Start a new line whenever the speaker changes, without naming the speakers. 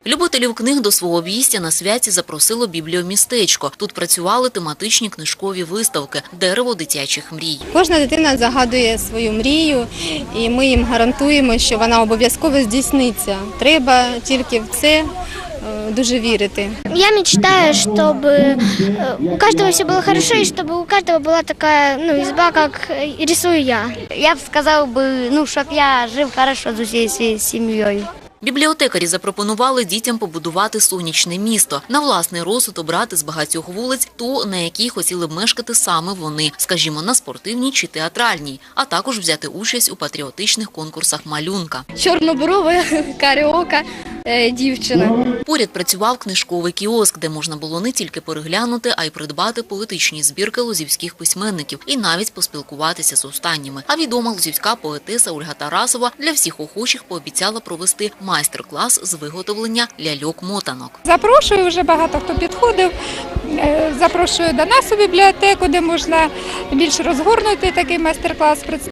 Любителів книг до свого обійстя на святі запросило бібліомістечко. Тут працювали тематичні книжкові виставки «Дерево дитячих мрій».
Кожна дитина загадує свою мрію, і ми їм гарантуємо, що вона обов'язково здійсниться. Треба тільки в це дуже вірити.
Я мечтаю, чтобы у каждого все было хорошо, и чтобы у каждого была такая изба, как рисую я.
Я б сказав би, щоб я жив хорошо з усією своєю сім'єю.
Бібліотекарі запропонували дітям побудувати сонячне місто, на власний розсуд обрати з багатьох вулиць ту, на якій хотіли б мешкати саме вони, скажімо, на спортивній чи театральній, а також взяти участь у патріотичних конкурсах малюнка.
Чорноброва, каріока дівчина.
Поряд працював книжковий кіоск, де можна було не тільки переглянути, а й придбати поетичні збірки лозівських письменників і навіть поспілкуватися з останніми. А відома лозівська поетеса Ольга Тарасова для всіх охочих пообіцяла провести майстер-клас з виготовлення ляльок-мотанок.
Запрошую, вже багато хто підходив, запрошую до нас у бібліотеку, де можна більш розгорнути такий майстер-клас